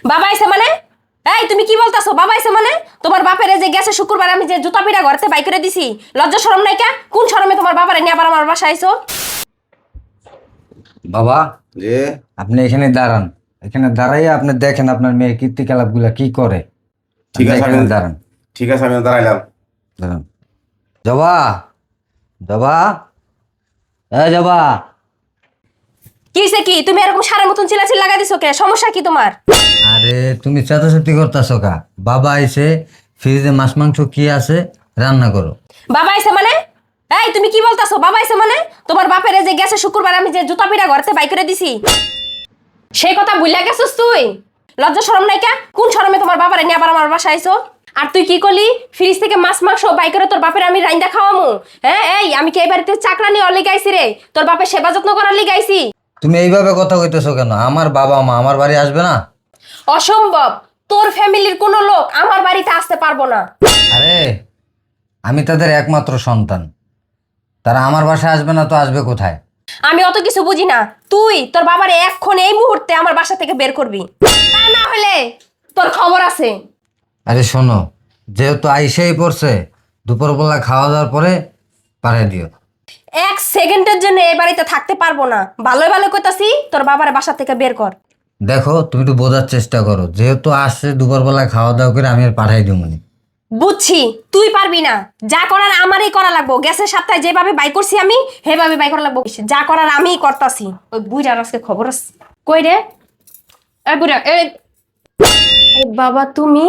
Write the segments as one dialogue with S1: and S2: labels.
S1: বাবা আইছে মানে? এই তুমি কি বলতাছো? বাবা আইছে মানে? তোমার বাপের যে গেছে শুক্রবার আমি যে জুতা পিড়া ঘরতে বাই করে দিছি, লজ্জা শরম নাই কা? কোন শরমে তোমার বাবারে নিয়ে আবার আমার বাসায় আইছো?
S2: বাবা,
S3: যে
S2: আপনি এখানে দাঁড়ান। এখানে দাঁড়াইয়া আপনি দেখেন আপনার মেয়ে কীর্তিকলাপ গুলা কি করে।
S3: ঠিক
S2: আপনি
S3: আছে,
S2: এখানে দাঁড়ান।
S3: ঠিক আছে, আমি দাঁড়াইলাম।
S2: দাঁড়ান। জবা, জবা, জবা।
S1: কি হইছে কি? তুমি এরকম সারের মতন চিল্লাচিল্লি লাগা দিছো কে? সমস্যা কি তোমার?
S2: আরে তুমি চেঁচাচেঁতি করতেছো কা? বাবা আইছে, ফ্রিজে মাছ মাংস কি আছে রান্না করো।
S1: বাবা আইছে মানে? এই তুমি কি বলতাছো? বাবা আইছে মানে? তোমার বাপের যে গেছে শুক্রবার আমি যে জুতা পিড়া ঘরতে বাই করে দিছি, সেই কথা ভুইলা গেছিস তুই? লজ্জা শরম নাই কা? কোন শরমে তোমার বাবারে নিয়ে আবার আমার বাসায় আইছো? আর তুই কি করলি? ফ্রিজ থেকে মাছ মাংস বাই করে তোর বাপের আমি রাইন্দা খাওয়ামু? হ্যাঁ, এই আমি কি এই বাড়িতে চাকরানি অলি গাইছি রে? তোর বাপের সেবা যত্ন করার লি গাইছি?
S2: তুমি এইভাবে কথা কইতেছো কেন? আমার বাবা মা আমার বাড়ি আসবে না?
S1: অসম্ভব। তোর ফ্যামিলির কোনো লোক আমার বাড়িতে আসতে পারবো না।
S2: আরে আমি তাদের একমাত্র সন্তান, তারা আমার বাসায় আসবে না তো আসবে কোথায়?
S1: আমি অত কিছু বুঝি না। তুই তোর বাবারে এক্ষণ এই মুহূর্তে আমার বাসা থেকে বের করবি, তা না হলে তোর খবর আছে।
S2: আরে শোনো, যেহেতু আইসেই পড়ছে, দুপুরবেলা খাওয়া দাওয়ার পরে পাঠিয়ে দিও।
S1: এক সেকেন্ডের জন্য এই বাড়িতে থাকতে পারবো না। ভালোই ভালো কইতাছি, তোর বাবারে বাসা থেকে বের কর।
S2: দেখো তুমি একটু বোঝার চেষ্টা করো, যেহেতু আসছে দুপুরবেলা খাওয়া দাওয়া করে আমি আর পাঠাই দিব মানে।
S1: বুঝছি তুই পারবি না। যা করার আমারই করা লাগবো। গ্যাসের সপ্তাহে যেভাবে বাই করছি আমি, সেভাবে বাই করা লাগবো। যা করার আমিই করতাছি। ওই বুইড়ার আজকে খবর আছে। কই রে এই বুইড়া? এই বাবা তুমি?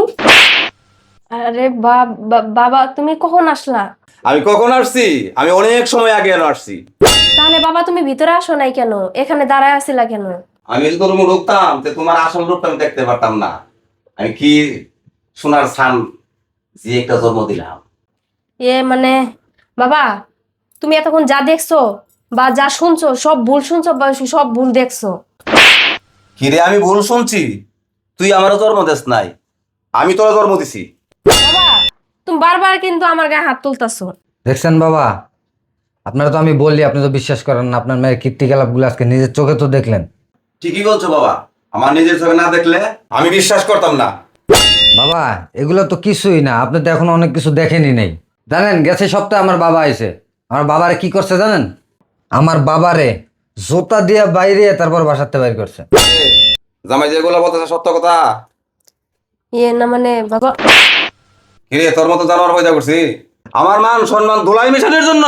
S1: আরে বাবা তুমি কখন আসলা?
S3: আমি কখন আসছি? আমি অনেক সময় আগে আসছি।
S1: তাহলে বাবা তুমি ভিতরে আসো নাই কেন? এখানে দাঁড়ায় আছিলা কেন?
S3: আমি যদি তোর মুখ ঢুকতাম তো তোমার আসল রূপটা আমি দেখতে পারতাম না। আমি কি সোনার সান যে একটা জন্ম দিলাম।
S1: মানে বাবা, তুমি এতক্ষণ যা দেখছো বা যা শুনছো সব ভুল শুনছো বা সব ভুল দেখছো।
S3: কি রে, আমি ভুল শুনছি? তুই আমারও জন্ম দিস নাই, আমি তোরা জন্ম দিছি।
S1: বাবা তুমি বারবার কিন্তু আমার গায়ে হাত তুলতাছো।
S2: দেখছেন বাবা, আপনারা তো আমি বললি আপনি তো বিশ্বাস করেন না। আপনার মেয়ের কীর্তিকলাপ গুলো আজকে নিজের চোখে তো দেখলেন।
S3: ঠিকই বলছো বাবা, আমার নিজের চোখে না দেখলে আমি বিশ্বাস করতাম না।
S2: বাবা এগুলো তো কিছুই না, আপনি তো এখন অনেক কিছু দেখেনি নেই। জানেন গেছে সপ্তাহে আমার বাবা আইছে, আমার বাবারে কি করছে জানেন? আমার বাবারে জোতা দিয়ে বাইরে তারপর বাসাতে বাইর করছে।
S3: জামাই যেগুলো বলতেছে সত্য কথা।
S1: না মানে বাবা,
S3: কি রে, তোর মতো জানোয়ার পয়দা করছি আমার মান সম্মান ধুলাই মিশানোর জন্য?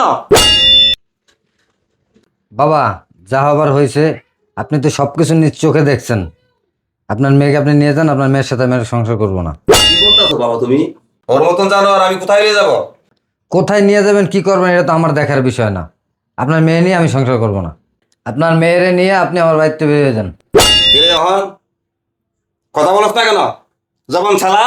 S2: বাবা যা হবার হয়েছে, আপনি তো সবকিছু নিজ চোখে দেখছেন। আপনার মেয়েকে আপনি নিয়ে যান, আপনার মেয়ের সাথে আমি আর সংসার করবো না।
S3: কি বলতেছো বাবা তুমি? ওর মতন জানোয়ার আমি কোথায় নিয়ে যাবো?
S2: কোথায় নিয়ে যাবেন কি করবেন এটা তো আমার দেখার বিষয় না। আপনার মেয়ে নিয়ে আমি সংসার করব না। আপনার মেয়েরে নিয়ে আপনি আমার বাড়িতে বেরিয়ে যান।
S3: কি রে যখন কথা বলছ না কেন? যখন ছালা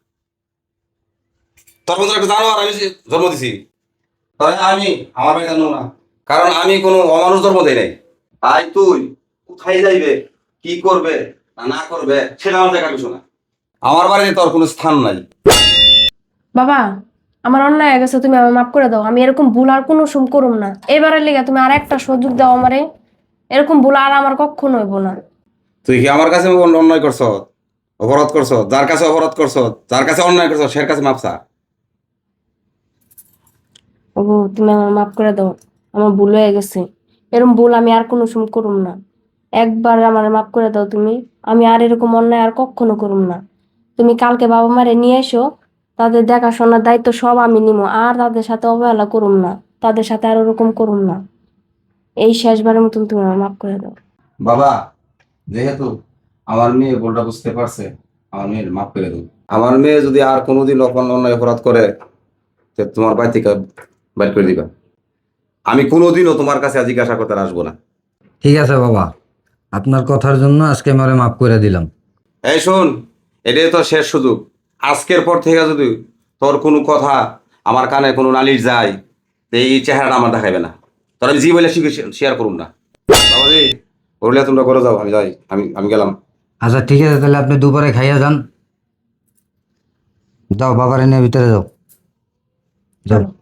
S3: তোর মতন একটা জানোয়ার আমি জন্ম দিছি, তাই আমি আমার বাড়ি জানবো না, কারণ আমি কোনো অমানুষ জন্ম দেই নাই। তাই তুই কোথায় যাইবে, কি করবে না না করবে সেটা আমার দেখার বিষয় না। আমার বাড়িতে তোর কোনো স্থান নাই।
S1: বাবা আমার অন্যায় হয়ে গেছে, তুমি আমার মাফ করে দাও। আমি এরকম ভুল আর কোনো সুম করুম না। এবারের লেগে তুমি আর একটা সুযোগ দাও আমারে। এরকম ভুল আর আমার কখনো হইব না।
S3: তুই কি আমার কাছে অন্যায় করছ, অপরাধ করছ? যার কাছে অপরাধ করছ, যার কাছে অন্যায় করছ, সের কাছে মাপসা।
S1: ও তুমি আমার মাফ করে দাও, আমার ভুল হয়ে গেছে। এরকম ভুল আমি আর কোনো সুম করুম না। একবার আমার মাফ করে দাও তুমি। আমি আর এরকম অন্যায় আর কখনো করুম না। তুমি কালকে বাবা মারে নিয়ে এসো, তাদের দেখাশোনার দায়িত্ব সব আমি নিবো। আর তাদের সাথে অবহেলা করুম না, তাদের সাথে আর ওরকম করুম না। এই শেষবারের মতন তুমি আমার মাফ করে দাও।
S3: বাবা, যেহেতু আমার মেয়ে ভুলটা বুঝতে পারছে, আমার মেয়ের মাফ করে দেবো। আমার মেয়ে যদি আর কোনোদিন অন্যায় অপরাধ করে, তো তোমার বাড়ি থেকে বাইর করে দিবা। আমি কোনোদিনও তোমার কাছে জিজ্ঞাসা করতে আর আসবো না।
S2: ঠিক আছে বাবা, আপনার কথার জন্য আজকে আমি ওরে মাফ করে দিলাম।
S3: এই শোন, এটাই তো শেষ সুযোগ। আজকের পর থেকে যদি তোর কোনো কথা আমার কানে কোনো নালিশ যায়, তো এই চেহারাটা আমার দেখাইবে না। তোর আমি জি বলে শেয়ার করুন না। বাবাজি, ওরলে তোমরা করে যাও, আমি যাই, আমি গেলাম।
S2: আচ্ছা ঠিক আছে, তাহলে আপনি দুপুরে খাইয়া যান। যাও বাবারে নিয়ে ভিতরে যাও, যাও।